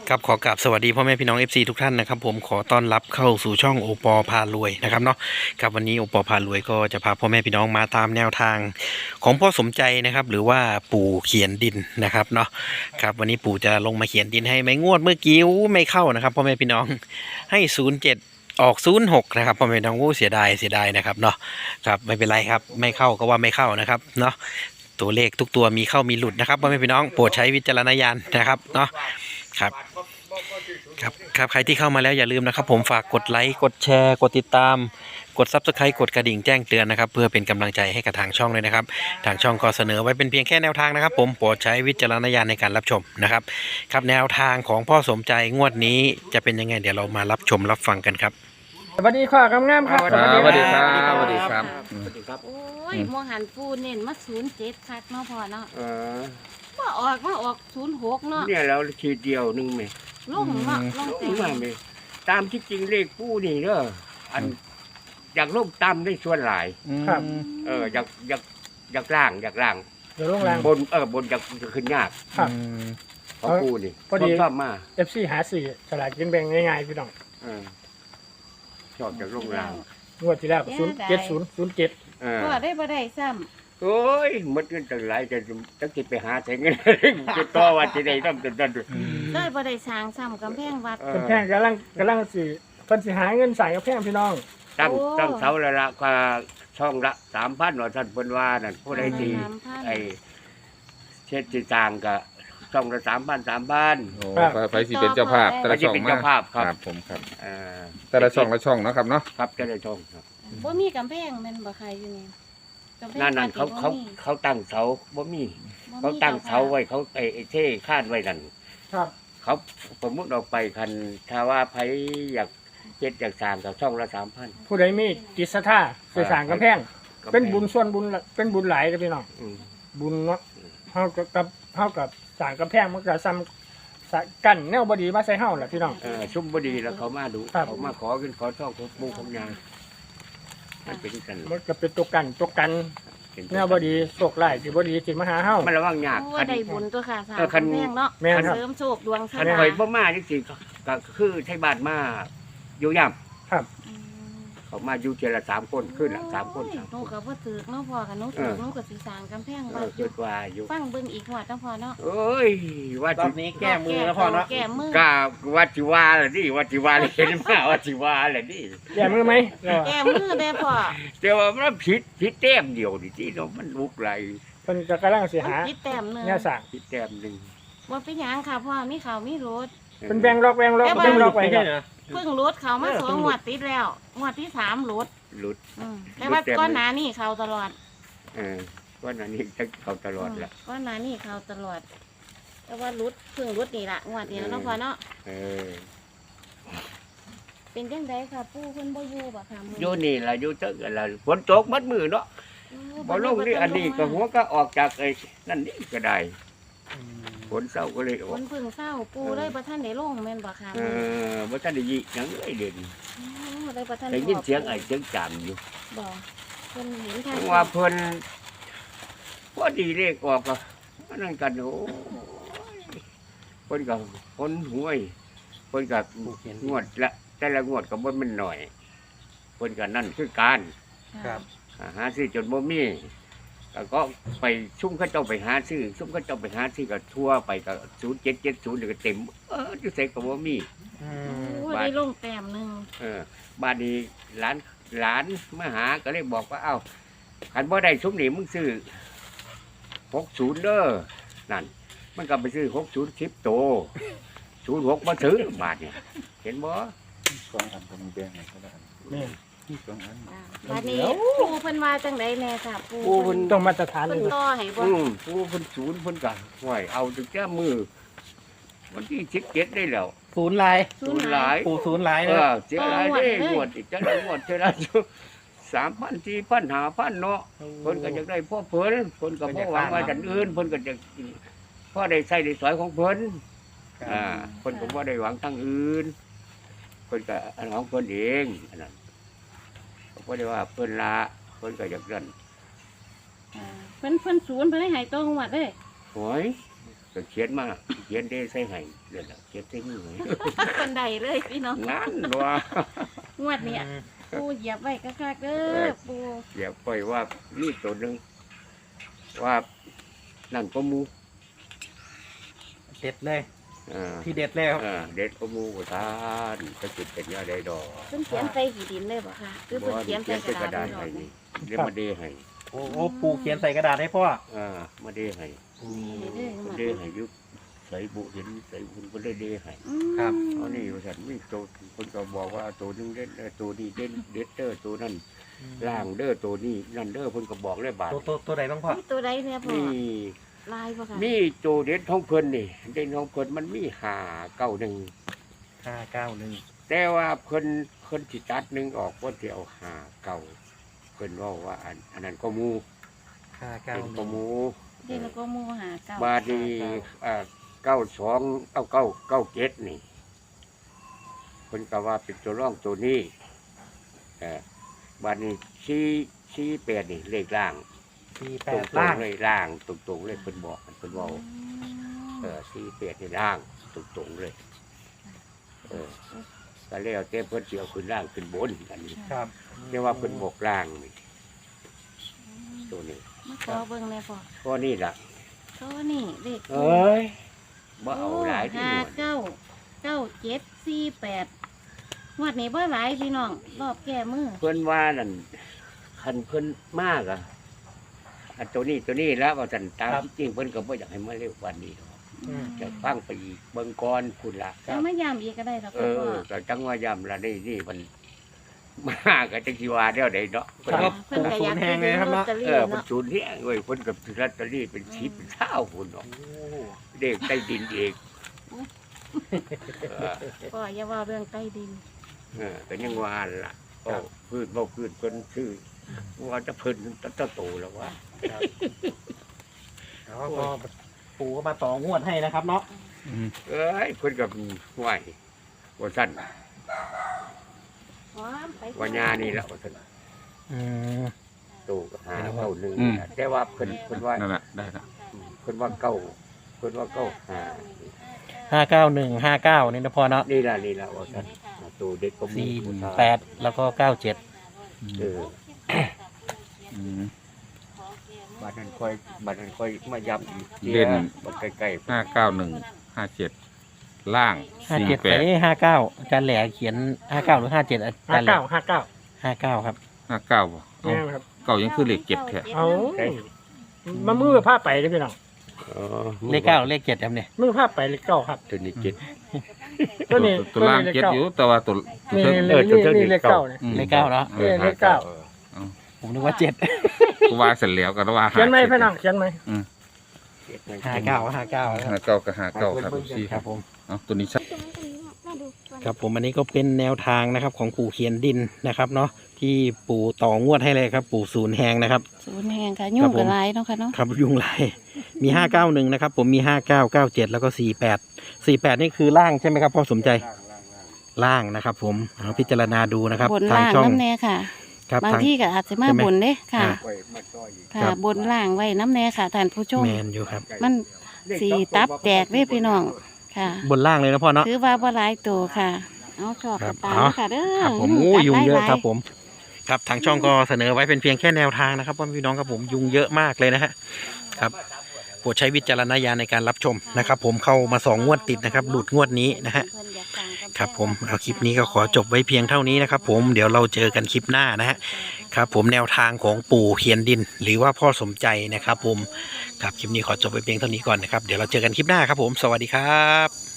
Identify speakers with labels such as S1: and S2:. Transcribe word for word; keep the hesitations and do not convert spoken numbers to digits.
S1: ครับขอกราบสวัสดีพ่อแม่พี่น้อง เอฟ ซี ทุกท่านนะครับผมขอต้อนรับเข้าสู่ช่องโอปอพารวยนะครับเนาะครับวันนี้โอปอพารวยก็จะพาพ่อแม่พี่น้องมาตามแนวทางของพ่อสมใจนะครับหรือว่าปู่เขียนดินนะครับเนาะครับวันนี้ปู่จะลงมาเขียนดินให้ไม่งวดเมื่อกี้ไม่เข้านะครับพ่อแม่พี่น้องให้ศูนย์เจ็ดออกศูนย์หกนะครับพ่อแม่พี่น้องโอ้เสียดายเสียดายนะครับเนาะครับไม่เป็นไรครับไม่เข้าก็ว่าไม่เข้านะครับเนาะตัวเลขทุกตัวมีเข้ามีหลุดนะครับพ่อแม่พี่น้องโปรดใช้วิจารณญาณนะครับเนาะครับครับครับใครที่เข้ามาแล้วอย่าลืมนะครับผมฝากกดไลค์กดแชร์กดติดตามกด ซับสไครบ์ กดกระดิ่งแจ้งเตือนนะครับเพื่อเป็นกำลังใจให้กับทางช่องเลยนะครับทางช่องก็เสนอไว้เป็นเพียงแค่แนวทางนะครับผมโปรดใช้วิจารณญาณในการรับชมนะครับครับแนวทางของพ่อสมใจงวดนี้จะเป็นยังไงเดี๋ยวเรามารับชมรับฟังกันครับ
S2: สวัสดีค่ะกำงามครับ
S3: สวัสดีครับสวัสดีครับ
S4: สวัสดีครับ
S5: โอ้ยมองหันฟูเน้นมาศูนย์เจ็ดคักเนาะพ่อเนาะ
S4: เออ
S5: ว่าออกมาออกศูนย์หกเนาะ
S4: เนี่ยเราทีเดียวหนึงไหม
S5: ลงเนาะลง
S4: ล
S5: แต่
S4: งมาไหมตามที่จริงเลขผู้นี่เด้ออันอยากลงตามได้ส่วนหลาย
S2: ครับ
S4: เอออยากอยากอยากล่างอยากล่าง
S2: เดี๋ยวลงแรง
S4: บนเออบนอยากจะขึ้นยาก
S2: ครับ
S4: ของผู้นี่
S2: พอดี
S4: ชอบมา
S2: เอฟซีหาสี่ฉลากกินแบ่งง่ายๆพี่น้อง
S4: เออชอบจากลงล่าง
S2: งวดที่แล้วศูนย์เจ็ดศูนย์ศูนย์เจ็ด
S4: เออ
S5: พ่อได้บ่ได้ซ้
S4: โอ้ยหมดเงินตั้งหลายจะจะกินไปหาใช้เงิน จะต่อวันที่ใดต้องจนนั่น
S5: ำได้บ่ได้สร้างซ้ำกำแพงวัด
S4: เออ
S2: กำแพงกำลังกำลังสิเพิ่นสิหาเงินใส่กำแพงพี่น้อง
S4: ตั้ง
S5: โอ้
S4: ตั้งเสาละละกว่าช่องละสามพันหน่อยท่านเพิ่นว่านั่นผู้ใดดี
S5: สามพัน
S4: ไอ้เช็ดจีจางก็ช่องละสามพันสามพัน
S3: โอ้ไฟสีเป็นเจ้าภาพแต่
S4: ก็
S3: ละ
S4: จะ
S3: ช่อง
S4: เป็น
S3: มา
S4: เจ้าภาพครับ
S3: ครับผมครับ
S4: เอ่อ
S3: แต่ละช่องละช่องเนาะครับเนาะ
S4: ครับจะได้ช่องครับ
S5: บ่มีกำแพงแม่นบ่ใครอยู่นี่กำแพง
S4: นั่นนั่น
S5: วั
S4: เขา
S5: ด
S4: เขา
S5: บ่มี
S4: เขาตั้งเสาบ่มี
S5: บ่มี
S4: เขาตั้งเสาไว้เขาไอ้ไอ้เท่คาดไว้นั่น
S2: ครับ
S4: เขาสมมติออกไปคันถ้าว่าไผอยากเจ็ดอยากสร้างกับช่องละสามพัน
S2: ผู้ใดมีจิตศรัทธาสิสร้างกำแพงเป็นบุญส่วนบุญละเป็นบุญหลายกับพี่น้องบุญเนาะเฮากับกับเฮากับสร้างกำแพงมันก็ซ้ำสะกั้นแนวบ่ดีมาใส่เฮาล่ะพี่น้อง
S4: เออชุ่มบดีแล้วเขามาดู
S2: ครับ
S4: เขามาขอขึ้นขอช่องของปูของยางมันเป็นกัน
S2: มันก็เป็นตัวกันตัวกัน
S4: เป็น
S2: แนวบ่ดีโชคร้ายที่บ่ดีสิมาหาเฮา
S4: มันระวังยาก
S5: โอ้
S4: คัน
S5: ได้บุญตัวค่ะสร้าง
S4: เออคัน
S5: กำแพงเนาะ
S2: แม่นครับ
S5: เสริมโชคดวงชะ
S4: คัน
S5: ตา
S4: ข่อยบ่มานี่สิก็ก็คือใช้บ้านมาอยู่ย่ำ
S2: ครับ
S5: อืม
S4: เขามาอยู่เจละสามคนขึ้นละสามคน
S5: โอ้ย
S4: สาม
S5: หนูก็บ่ถึกเนาะพ่อค่ะหนูถึกหนูก็สิสร้างกำแพง
S4: เอ
S5: วั
S4: อ
S5: ดอ
S4: คิ
S5: ยู่
S4: ดว่าอยู่
S5: ฟังเบิ่งอีกหวดเนาะพ่อเนาะ
S4: เอ้ยว่า
S1: รอ
S4: สิ
S1: บนี้แก้มือแล้วพ่อเนาะ
S5: แก้มือ
S4: กล้าว่าสิว่าแหละนี่ว่าสิว่าเลยเห็นมาว่าสิว่าแหละนี่
S2: แย่มือไหมเออ
S5: แก้มือได้พ่อ
S4: แต่ว่ามันผิดผิดแต้มเดียวนี่ที่เนาะมันลุกไหล
S2: เพิ่นก็กำลังสิ
S5: มัน
S2: หา
S5: คิดแต้มหนึง
S2: แนวสร้าง
S4: ผิดแต้มหนึ่ง
S5: บ่เป็นหยังค่ะพ่อมีเขาวมีรถ
S2: เป็นแบ่งล็อกแบ่งล็อกแบ่งล็อกไว้ครับ
S5: เพิ่งรถเขามาสองงวดติดแล้วงวดที่สามรถ
S4: หลุด
S5: อืมแต่ว่าก้อนหนานี่เขาตลอด
S4: เออว่านั้นนี่จะเขาตลอดละ
S5: ก้อนหนานี่เขาตลอด แต่ว่ารถเพิ่งรถนี่ละงวดเดียวเนาะพ่อเนาะ
S4: เออ
S5: เป็นจังไดค่ะปู่เพิ่นบ่อยู่บ่ค่ะมื้อ
S4: อยู่นี่ล่ะอยู่เตึกกันล่ะฝนตกมัดมือเนาะ
S5: โอ้
S4: บ่ลงนี่อันนี้ก็หัวก็ออกจากไอ้นั่นนี่ก็ได้ฝนเศร้าก็เลยออ
S5: เพิ่
S4: ก
S5: นเพิ่งเศร้าปู่เลยบ่ทันได้ลงแม่นบ่ค่ะ
S4: เออบ่ทันได้ยินหยังเลยเด่น
S5: โอ้เลยบ่ทัน
S4: ได้ยินเสียงไอ้เสียงจามอยู่
S5: บ่เพิ่นเห็นทาง
S4: เพราะว่าเพิ่นพอดีเลขออกก็มานั่งกันโอ้ยเพิ่นก็คนหวยเพิ่นก็งวดละแต่ละงวดก็บ่แม่นน้อยเพิ่นก็นั่นคือการ
S1: ครับ
S4: อ่าหาซื้อจนบ่มีแล้วก็ไปซุ่มเขาเจ้าไปหาซื้อซุ่มเขาเจ้าไปหาซื้อก็ทั่วไปก็ศูนย์เจ็ดเจ็ดศูนย์ก็เต็มเอออยู่ใส่ก็บ่มี
S5: โอ้ได้ลงแต้มหนึง
S4: เออบ้านนี้หลานหลานมาหาก็เลยบอกว่าเอ้าคันบ่ได้ซุ่มนี่มึงซื้อหกศูนย์เด้อนั่น มันก็ไปซื้อหกศูนย์สิบโตศูนย์หกมาซื้อบาทเนี่ยเห็นบ่
S3: สองอันผมแบ่งให้เขาได้
S2: นี่
S3: สองอัน
S5: อ่าบัดนี้ปู่เพิ่นว่าจังไดแน่ค่ะปู่
S4: ปูเพิ่น
S2: ต้องมาตรฐาน
S5: เพิ่น
S2: เลย
S5: ต่อให้บ่
S4: อืมปูเพิ่นศูนย์เพิ่นก็ห่วยเอาถึงแก้มือวันที่สิบเจ็ดได้แล้ว
S1: ศูนย์ลาย
S4: ศูนย์หลาย
S1: ปู่ศูนย์ลาย
S4: เอ
S1: นะ
S4: อเสียหลายได้งวดอีกจังได้งวดเท่านั้นสามพันสี่พันห้าพันเนาะเพิ่นก็อยากได้พ่อเพิ่นเพิ่นก็บ่หวังว่าจันอื่นเพิ่นก็จะพ่อได้ใช้ได้สอยของเพิ่นอ่าเพิ่นก็บ่ได้หวังทางอื่นเพิ่นก็อันของเพิ่นเองอันนั้นก็บ่ได้ว่าเพิ่นละเพิ่นก็อยากนั่น
S5: อ่าเพิ่นเพิ่นศูนย์เพิ่นให้ให้ตรงงวดเด้
S4: โอ้ยก็เขียนมาเขียนได้ใส่ให้เดี๋ยวละเขียนใส่มือให้
S5: คนใดเลยพี่น้อง
S4: นั่นว่า
S5: งวดเนี้ยปูเหยียบไว้คักๆเด้อปู
S4: เดี๋ยวปล่อยว่านี่ตัวหนึ่งว่านั่นก็มู
S1: เด็ดเลย
S4: อ่า
S1: ที่เด็ดแล้ว
S4: อ่าเด็ดก็มูกทานจะจุดเป็นยาได้ดอก
S5: เพิ่นเขียนใส่หีดินเลยบ่ค่ะคือเพิ่นเขียนใส่กระดาษ
S4: ให้
S5: เลย
S4: นี่เดี๋ยวมาเดให้
S1: โอ้โหปูเขียนใส่กระดาษให้พ่อ
S4: อ่ามาเดให้
S5: นี่เด้อ
S4: มา
S5: มา
S4: เดให้ยุบใส่บุเห็นใส่บุญก็ได้เดให้
S5: อืม
S1: ครับ
S4: เอานี่ว่าฉันมีตัวคนก็บอกว่าตัวนึงเด็ดเออตัวนี้เด็ดเด็ดเด้อตัวนั้นล่างเด้อตัวนี้นั่นเด้อคนก็บอกเลยบาท
S1: ตัวตัวตัวไหนบ้างพ่อ
S5: มีตัวใดเนี่ยพ่อ
S4: นี่
S5: ลายบ่ค่ะ
S4: มีโจเด็ดท้องเพิ่นนี่เด็ดท้องเพิ่นมันมีหาเก้าหนึ่ง
S1: ห้าเก้าหนึ่ง
S4: แต่ว่าเพิ่นเพิ่นสิตัดหนึ่งออกว่าสิเอาหาเก้าเพิ่นว่าว่าอันอันนั้นก็หมู
S1: ห้าเก้า
S4: เป็น
S1: ห
S4: ก็
S1: นึ่ง
S4: หมู
S5: เดี๋ยวเราก็มูหาเก่า
S4: บาดนีอ่าเก้าสองเก้าเก้าเก้าเจ็ดนี่เพิ่นก็ว่าเป็นตัวร่องตัวนี้เออบาดนี้ชี้ชี้แปดนี่เลขล่าง
S1: สี่แป
S4: ตร
S1: ด
S4: ง
S1: ล่าง
S4: ๆเลยล่างตรงๆเลยเพิ่นบอกเพิ่นเว่าเออชี้แปดนี่ล่างตรงๆเลยเออก็แล้วแต่เพิ่นสิเอาขึ้นล่างขึ้นบนอันนี้
S1: ครับ
S4: เรียกว่าเพิ่นบอกล่างนี่ตัวนี้
S5: มาขอเบิ่งเลยพ่อ
S4: ก็นี่ล่ะ
S5: โตนี่เลข
S4: เอ้ยบ่เอาหลายที่
S5: ห้า
S4: หนวด
S5: เก้าเก้าเจ็ดสี่แปดงวดนี้บ่หลายพี่น้องรอบแก้มือ
S4: เพิ่นว่านั่นคันเพิ่นมากอะอันตัวนี้ตัวนี้แล้วว่าสันตามที่จริงเพิ่นก็บ่อยากให้มาเร็วกวันนี้หรอก
S5: อืม
S4: จะฟังไปอีกเบิ่งก่อนคุณล่ะ
S5: แล้วไม่ยามอีกก็ได้หรอก
S4: เอ
S5: พ่อ
S4: อก็จังว่าย้ำละนี่นี่มันมากก็จังสิว่าเดี๋ยวใดเนาะเพิ่น
S1: ครับ
S5: เพิ่นก็อยาก
S1: ปูศูนย์แห่งเลยครับเนาะ
S5: ลอตตอ
S4: เอ
S5: รี่
S4: อเพิ่น
S5: เนาะ
S4: สูญเฮียเว้ยเพิ่นกับลอตเตอรี่เป็นสิบเป็นเท่าพุ่นเนาะเด็กใต้ดินเองเออ
S5: ก็อย่าว่าเรื่องใต้ดิน
S4: เออก็ยังว่าล่ะโอ้พืชบ่พืชเพิ่นชื่อว่าจะเพิ่นตะโตแล้วว่า
S1: แล้วก็ปูก็มาต่องวดให้นะครับเนาะ
S4: เอ้ยเพิ่นกับไหวว่าสั่น
S5: พร้อมไป
S4: ว่าญานี่แหละว่าสั่น
S1: อืม
S4: ตูก็หาเก้าหนึ่ง
S3: อืม
S4: แต่ว่าเพิ่นเพิ่นว่า
S3: นั่นแหละได้ละ
S4: เพิ่นว่าเก้าเพิ่นว่าเก้าหา
S1: ห้าเก้าหนึ่งห้าเก้านี่นะพ่อเนาะ
S4: นี่ล่ะนี่ล่ะว่าสั่นตูเด็กก็มี
S1: สี่
S4: ผู้ชาย
S1: แปดแล้วก็เก้าเจ็ด
S4: เออ
S3: อืม
S4: บัดนั้นค่อยบัดนั้นค่อยมาย้ำอีก
S3: เล่น
S4: บัดใกล้
S3: ห้าเก้าหนึ่งห้าเจ็ดล่าง
S1: ห้า
S3: สี่
S1: เจ็ด
S3: แป
S1: ไป
S3: ด
S1: ห้าเก้าอาจารย์แหล่เขียนห้าเก้าหรือห้าเจ็ดอา
S2: ห้า
S1: จารย์แหล่
S2: เก้าห้าเก้า
S1: ห้าเก้าครับ
S3: ห้าเก้าบ่เอา
S2: เนี่ยครับ
S3: เก้ายังคือเลขเจ็ดแท้
S2: เอา
S4: ๆใกล้
S2: มามือผ้าไปเลยพี่น้อง
S4: อ๋อ
S1: เลขเก้าเลขเจ็ดครับเนี่ย
S2: มือผ้าไปเลขเก้าครับ
S4: ตัวนี้เจ็ด
S2: ตัวนี้
S3: ตัวตัวล่างเจ็ดอยู่แต่ว่าตัว
S2: นี่
S3: ตัว
S2: นี่
S4: เออตัว
S2: นี่
S4: นี้
S2: นี่เลขเก้าเนี่ย
S3: อืม
S1: เลขเก้าเนาะ
S2: เออเลขเก้า
S1: ผมนึกว่าเจ็ด
S3: กูว่าเสร็จแล้วก็ว่า
S2: เขียนไหม
S3: จ็ด
S2: พี่น้องเขียนไหม
S4: เจ็ดมัน
S1: ห้าเก้าห้าเก้าค
S3: ห้า
S1: รับ
S3: เก้ากับห้าเก้าครับพี่
S1: ครับผม
S3: เอาตัวนี้ชัด
S1: ครับผมอันนี้ก็เป็นแนวทางนะครับของปู่เขียนดินนะครับเนาะที่ปู่ต่องวดให้เลยครับ ปู่ศูนย์แหงนะครับ
S5: ศูนย์แห่งค่ะยุ่งกับลายเนาะค่ะเนาะ
S1: ครับยุงลายมีห้าเก้าหนึ่งนะครับผมมีห้าเก้าเก้าเจ็ดแล้วก็สี่แปดสี่แปดนี่คือล่างใช่ไหมครับพ่อสมใจล่างนะครับ ผมเอาพิจารณาดูนะครับ
S5: บน
S1: ทาง
S5: ล่าง
S1: ช่อง
S5: น้ำแน่ค่ะ
S1: ครับ
S5: บาง
S1: ทาง
S5: ที่ก็อาจจะมา
S1: ใช่ไหม
S5: บนเด้ค่ะ
S1: อ่า
S4: ไว้มาต่ออีก
S5: ค่ะ
S1: ครับ
S5: บนล่างไว้น้ำแน่ค่ะท่านผู้ชม
S1: แมนอยู่ครับ
S5: มันสีตับแตกเด้พี่น้องค่ะ
S1: บนล่างเลยนะพ่อเนาะ
S5: ถือว่าบ่หลายตัวค่ะ เอาชอบ
S1: ครั
S5: กับบ ตามค่ะเด้อ
S1: ครับผม
S5: จั
S1: โอ้
S5: ด
S1: ยุงเยอะ
S5: หลา
S1: ครับผมครับทางช่องก็เสนอไว้เป็นเพียงแค่แนวทางนะครับพ่อพี่น้องครับผมยุงเยอะมากเลยนะฮะครับโปรดใช้วิจารณญาณในการรับชมนะครับ ผมเข้ามาสองงวดติดนะครับหลุดงวดนี้นะฮะครับผมเอาคลิปนี้ก็ขอจบไว้เพียงเท่านี้นะครับผมเดี๋ยวเราเจอกันคลิปหน้านะฮะครับผมแนวทางของปู่เขียนดิน หรือว่าพ่อสมใจนะครับผมครับคลิปนี้ขอจบไว้เพียงเท่านี้ก่อนนะครับเดี๋ยวเราเจอกันคลิปหน้าครับผมสวัสดีครับ